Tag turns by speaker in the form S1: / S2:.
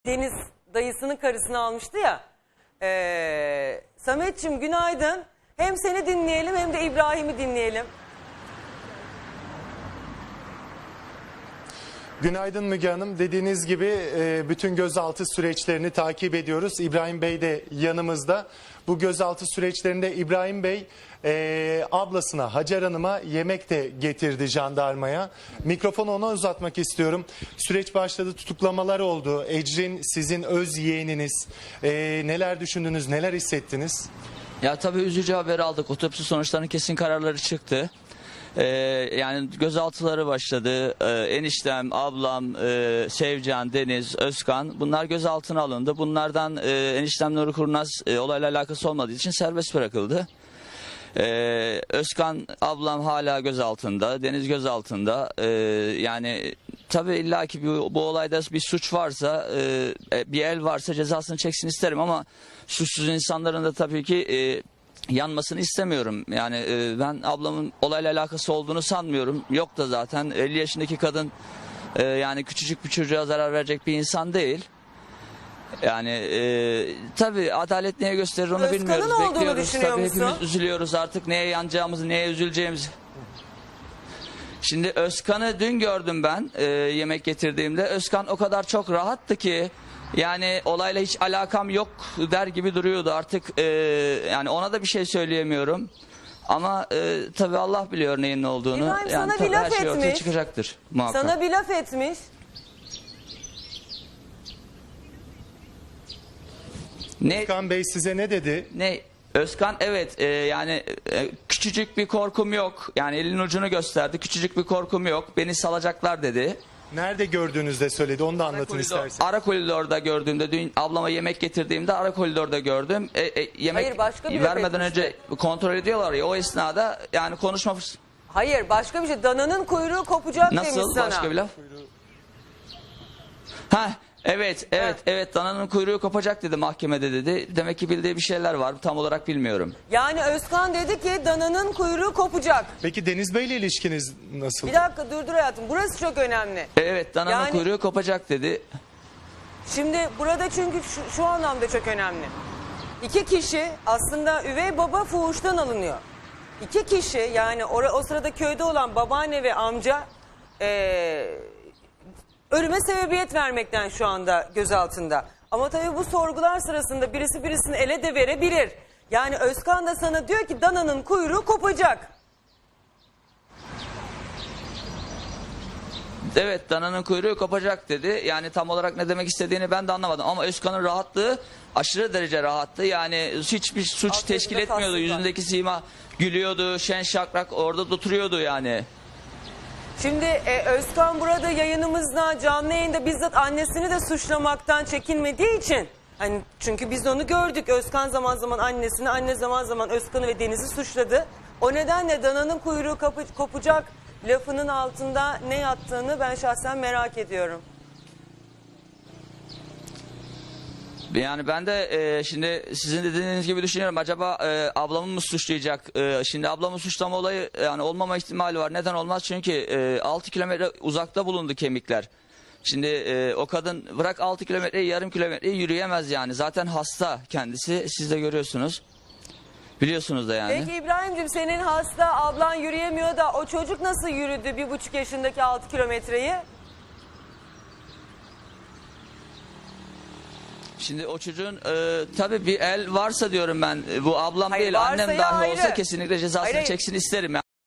S1: Deniz dayısının karısını almıştı ya. Samet'ciğim günaydın. Hem seni dinleyelim hem de İbrahim'i dinleyelim.
S2: Günaydın Müge Hanım. Dediğiniz gibi bütün gözaltı süreçlerini takip ediyoruz. İbrahim Bey de yanımızda. Bu gözaltı süreçlerinde İbrahim Bey ablasına Hacer Hanım'a yemek de getirdi jandarmaya. Mikrofonu ona uzatmak istiyorum. Süreç başladı, tutuklamalar oldu. Ecrin sizin öz yeğeniniz. Neler düşündünüz, neler hissettiniz?
S3: Ya tabii üzücü haber aldık. Otopsi sonuçlarının kesin kararları çıktı. Yani gözaltıları başladı. Eniştem, ablam, Sevcan, Deniz, Özkan bunlar gözaltına alındı. Bunlardan eniştem Nuri Kurnaz olayla alakası olmadığı için serbest bırakıldı. Özkan ablam hala gözaltında, Deniz gözaltında. Yani tabii illaki bu olayda bir suç varsa, bir el varsa cezasını çeksin isterim ama suçsuz insanların da tabii ki yanmasını istemiyorum. Yani ben ablamın olayla alakası olduğunu sanmıyorum. Yok da zaten 50 yaşındaki kadın yani küçücük bir çocuğa zarar verecek bir insan değil. Yani tabii adalet neye gösterir onu
S1: Özkan'ın
S3: bilmiyoruz.
S1: olduğunu
S3: Bekliyoruz.
S1: düşünüyor
S3: Tabii
S1: musun?
S3: hepimiz üzülüyoruz artık neye yanacağımızı, neye üzüleceğimizi. Şimdi Özkan'ı dün gördüm ben yemek getirdiğimde. Özkan o kadar çok rahattı ki yani olayla hiç alakam yok der gibi duruyordu. Artık yani ona da bir şey söyleyemiyorum. Ama tabii Allah biliyor neyin ne olduğunu.
S1: İbrahim
S3: Yani
S1: sana bir laf
S3: her şey ortaya
S1: etmiş.
S3: çıkacaktır muhakkak.
S1: Sana bir laf etmiş.
S3: Ne?
S2: Özkan Bey size ne dedi?
S3: Ne? Özkan evet yani küçücük bir korkum yok. Yani elin ucunu gösterdi. Küçücük bir korkum yok. Beni salacaklar dedi.
S2: Nerede gördüğünüzde söyledi, onu da anlatın isterseniz.
S3: Ara koridorda gördüğümde, dün ablama yemek getirdiğimde ara koridorda gördüm. Yemek
S1: Hayır, başka bir laf
S3: vermeden
S1: etmişti.
S3: önce kontrol ediyorlar ya, o esnada yani konuşma
S1: Hayır, başka bir şey. Dananın kuyruğu kopacak demiş
S3: nasıl
S1: sana.
S3: başka bir laf? Ha evet dananın kuyruğu kopacak dedi mahkemede dedi. Demek ki bildiği bir şeyler var, tam olarak bilmiyorum.
S1: Yani Özkan dedi ki dananın kuyruğu kopacak.
S2: Peki Deniz Bey ile ilişkiniz nasıl?
S1: Bir dakika dur hayatım. Burası çok önemli.
S3: Evet dananın
S1: Yani-
S3: kuyruğu kopacak dedi.
S1: Şimdi burada çünkü şu anlamda çok önemli. İki kişi aslında üvey baba fuhuştan alınıyor. İki kişi yani o sırada köyde olan babaanne ve amca ölüme sebebiyet vermekten şu anda gözaltında. Ama tabii bu sorgular sırasında birisi birisini ele de verebilir. Yani Özkan da sana diyor ki dananın kuyruğu kopacak.
S3: Evet dananın kuyruğu kopacak dedi. Yani tam olarak ne demek istediğini ben de anlamadım. Ama Özkan'ın rahatlığı aşırı derece rahattı. Yani hiçbir suç
S1: Alt
S3: teşkil
S1: yazıda
S3: etmiyordu.
S1: tasdik var.
S3: Yüzündeki sima gülüyordu. Şen şakrak orada oturuyordu yani.
S1: Şimdi Özkan burada yayınımızda canlı yayında bizzat annesini de suçlamaktan çekinmediği için hani çünkü biz onu gördük. Özkan zaman zaman annesini, anne zaman zaman Özkan'ı ve Deniz'i suçladı. O nedenle dananın kuyruğu kopacak lafının altında ne yattığını ben şahsen merak ediyorum.
S3: Yani ben de şimdi sizin dediğiniz gibi düşünüyorum. Acaba ablamı mı suçlayacak? Şimdi ablamı suçlama olayı yani olmama ihtimali var. Neden olmaz? Çünkü 6 kilometre uzakta bulundu kemikler. Şimdi o kadın bırak 6 kilometreyi, yarım kilometreyi yürüyemez yani. Zaten hasta kendisi. Siz de görüyorsunuz. Biliyorsunuz da yani.
S1: Peki İbrahim'cim senin hasta ablan yürüyemiyor da o çocuk nasıl yürüdü 1,5 yaşındaki 6 kilometreyi?
S3: Şimdi o çocuğun tabii bir el varsa diyorum ben. Bu ablam
S1: Hayır,
S3: değil, annem
S1: varsayı
S3: dahi olsa
S1: ayrı.
S3: kesinlikle cezasını
S1: Hayır.
S3: çeksin isterim.